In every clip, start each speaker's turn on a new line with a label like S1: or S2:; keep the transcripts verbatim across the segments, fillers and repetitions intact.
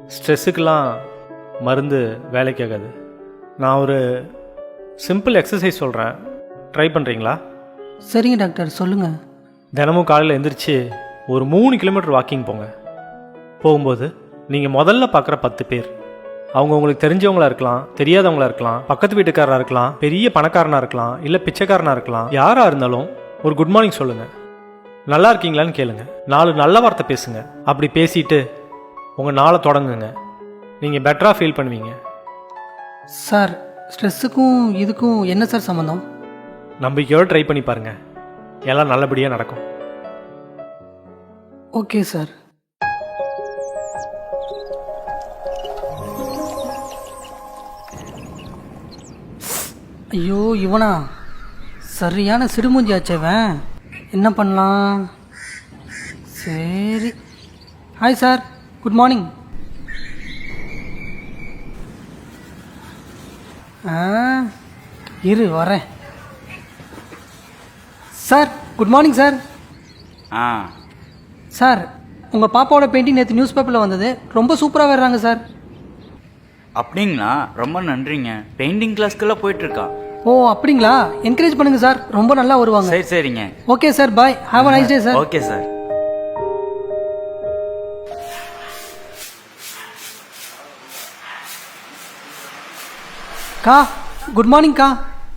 S1: ஸ்ட்ரெஸ்ஸுக்கெலாம் மருந்து வேலைக்கு ஆகாது. நான் ஒரு சிம்பிள் எக்ஸசைஸ் சொல்கிறேன், ட்ரை பண்ணுறீங்களா?
S2: சரிங்க டாக்டர், சொல்லுங்கள்.
S1: தினமும் காலையில் எழுந்திரிச்சு ஒரு மூணு கிலோமீட்டர் வாக்கிங் போங்க. போகும்போது நீங்கள் முதல்ல பார்க்குற பத்து பேர், அவங்க உங்களுக்கு தெரிஞ்சவங்களா இருக்கலாம், தெரியாதவங்களா இருக்கலாம், பக்கத்து வீட்டுக்காரராக இருக்கலாம், பெரிய பணக்காரனாக இருக்கலாம், இல்லை பிச்சைக்காரனாக இருக்கலாம். யாராக இருந்தாலும் ஒரு குட் மார்னிங் சொல்லுங்கள், நல்லா இருக்கீங்களான்னு கேளுங்க, நாலு நல்ல வார்த்தை பேசுங்க. அப்படி பேசிட்டு உங்கள் நாளை தொடங்குங்க. நீங்கள் பெட்டராக ஃபீல் பண்ணுவீங்க.
S2: சார், ஸ்ட்ரெஸ்ஸுக்கும் இதுக்கும் என்ன சார் சம்மந்தம்?
S1: நம்பிக்கையோடு ட்ரை பண்ணி பாருங்கள், எல்லாம் நல்லபடியாக நடக்கும்.
S2: Okay sir. ஐயோ, இவனா சரியான சிடுமூஞ்சி ஆச்சவன். என்ன பண்ணலாம்? சரி. Hi sir, good morning. ஆ இரு வரேன். Sir, good morning sir.
S3: ஆ
S2: சார், உங்கள் பாப்பாவோட பெயிண்டிங் நேற்று நியூஸ் பேப்பரில் வந்தது, ரொம்ப சூப்பராக வர்றாங்க சார்.
S3: அப்படிங்களா? ரொம்ப நன்றிங்க. பெயிண்டிங் கிளாஸ்க்கெல்லாம் போயிட்டுருக்கா?
S2: ஓ அப்படிங்களா? என்கரேஜ் பண்ணுங்க சார், ரொம்ப நல்லா வருவாங்க.
S3: சரி சரிங்க.
S2: Okay sir, bye. Have a nice day sir.
S3: Okay sir.
S2: கா, குட் மார்னிங் கா.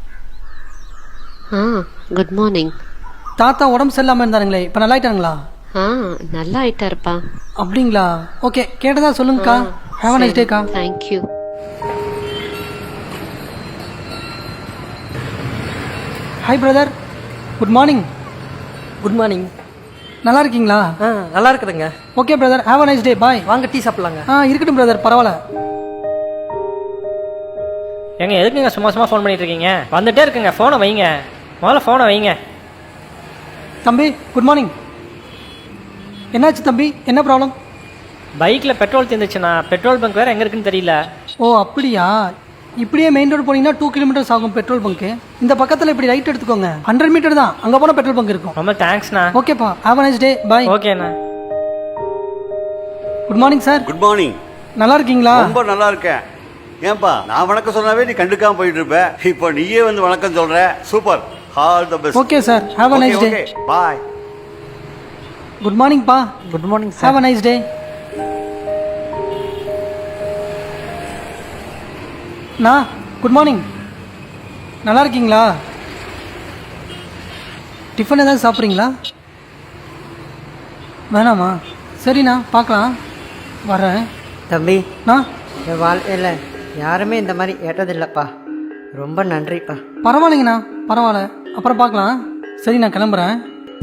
S4: ஆ குட் மார்னிங்.
S2: தாத்தா உடம்பு சரியில்லாமல் இருந்தாருங்களே, இப்போ நல்லா ஆயிட்டாங்களா?
S4: ஆ நல்லா ஆயிட்டாருப்பா.
S2: அப்படிங்களா? ஓகே, கேட்டதா சொல்லுங்கக்கா. ஹேவ் அ நைஸ் டே கா.
S4: Thank you.
S2: Hi brother, good morning.
S5: Good morning.
S2: நல்லா இருக்கீங்களா?
S5: ஆ நல்லா இருக்குதுங்க.
S2: Okay brother, have a nice day, bye.
S5: வாங்க டீ சாப்பிட்லாங்க.
S2: ஆ இருக்கட்டும் பிரதர், பரவாயில்ல.
S6: ஏங்க எதுக்குங்க சும்மா சும்மா ஃபோன் பண்ணிட்டு இருக்கீங்க? வந்துட்டே இருக்குங்க, ஃபோனை வைங்க, முதல்ல ஃபோனை வைங்க.
S2: தம்பி குட் மார்னிங். என்னாச்சு தம்பி, என்ன ப்ராப்ளம்?
S6: பைக்கில் பெட்ரோல் தீர்ந்துச்சுண்ணா, பெட்ரோல் பங்க் வேறு எங்கே இருக்குன்னு தெரியல.
S2: ஓ அப்படியா? இப்படியே மெயின் ரோடு போனீங்கன்னா டூ கிலோமீட்டர்ஸ் ஆகும் பெட்ரோல் பங்க்கு. இந்த பக்கத்தில் இப்படி ரைட் எடுத்துக்கோங்க, ஹண்ட்ரட் மீட்டர் தான், அங்கே போனால் பெட்ரோல் பங்க் இருக்கும்.
S6: ரொம்ப தேங்க்ஸ்ண்ணா.
S2: ஓகேப்பா, have a nice day, bye.
S6: ஓகேண்ணா.
S2: Good morning sir.
S7: Good morning.
S2: நல்லா இருக்கீங்களா?
S7: ரொம்ப நல்லா இருக்கேன். ஏன்பா நான் வணக்கம் சொன்னாவே நீ கண்டுக்காம போயிட்டு இருப்ப, இப்போ நீயே வந்து வணக்கம் சொல்ற. Super, all the best.
S2: Okay sir, have a nice day.
S7: Okay bye.
S2: Good morning பா.
S5: Good morning
S2: have a
S5: sir.
S2: Nice day. நா குட் மார்னிங். நல்லா இருக்கீங்களா? டிஃபன் ஏதாவது சாப்பிட்றீங்களா? வேணாமா? சரிண்ணா, பார்க்கலாம், வரேன்.
S5: தம்பி,
S2: நான்
S5: என் வாழ்க்கையில் யாருமே இந்த மாதிரி ஏற்றதில்லைப்பா. ரொம்ப நன்றிப்பா.
S2: பரவாயில்லைங்கண்ணா, பரவாயில்ல, அப்புறம் பார்க்கலாம். சரி, நான் கிளம்புறேன்.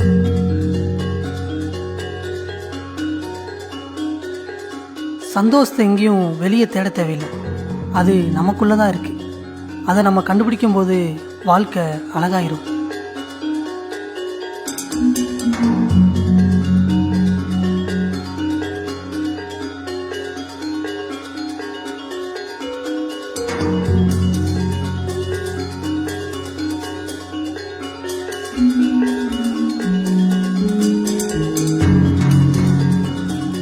S2: சந்தோஷத்தை எங்கேயும் வெளியே தேட தேவையில்லை, அது நமக்குள்ளே தான் இருக்குது. அதை நம்ம கண்டுபிடிக்கும் போது வாழ்க்கை அழகாயிரும்.